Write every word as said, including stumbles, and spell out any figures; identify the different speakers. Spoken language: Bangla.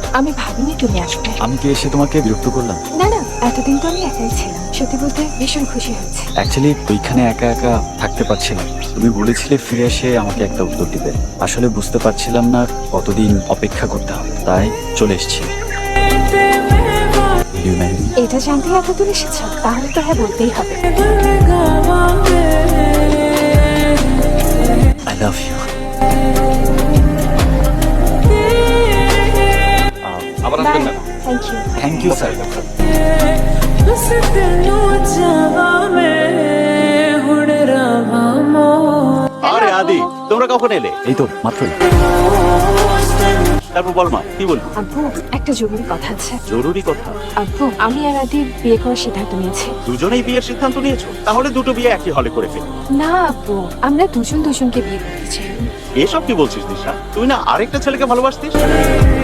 Speaker 1: আমি ভাবিনি তুমি আসবে।
Speaker 2: আমি কি এসে তোমাকে বিরক্ত করলাম?
Speaker 1: না না, এতদিন তো আমি একাই ছিলাম। সত্যি বলতে ভীষণ খুশি হচ্ছে।
Speaker 2: অ্যাকচুয়ালি ওইখানে একা একা থাকতে পারছিলাম। তুমি বলেছিলে ফিরে এসে আমাকে একটা উত্তর দিবে। আসলে বুঝতে পারছিলাম না কতদিন অপেক্ষা করতে হবে, তাই চলে এসেছি।
Speaker 1: এটা জানতে এত দূর এসেছ, তাহলে তো হ্যাঁ বলতেই হবে।
Speaker 2: I love you. আবার আসবেন না।
Speaker 1: Thank you.
Speaker 2: Thank you sir.
Speaker 3: আরে আদি, তোমরা কখন এলে?
Speaker 2: এই তো মাত্রই।
Speaker 3: তারপর বল মা, কি বলবি?
Speaker 1: আব্বু, একটা জরুরি কথা আছে।
Speaker 3: জরুরি কথা?
Speaker 1: আব্বু, আমি আর আদি বিয়ে করার সিদ্ধান্ত নিয়েছি।
Speaker 3: দুজনেই বিয়ের সিদ্ধান্ত নিয়েছো? তাহলে দুটো বিয়ে একই হলে করে ফেল।
Speaker 1: না আব্বু, আমরা দুজন দুজনকে বিয়ে করতে চাই।
Speaker 3: এসব কি বলছিস দিশা? তুই না আরেকটা ছেলেকে ভালোবাসতিস?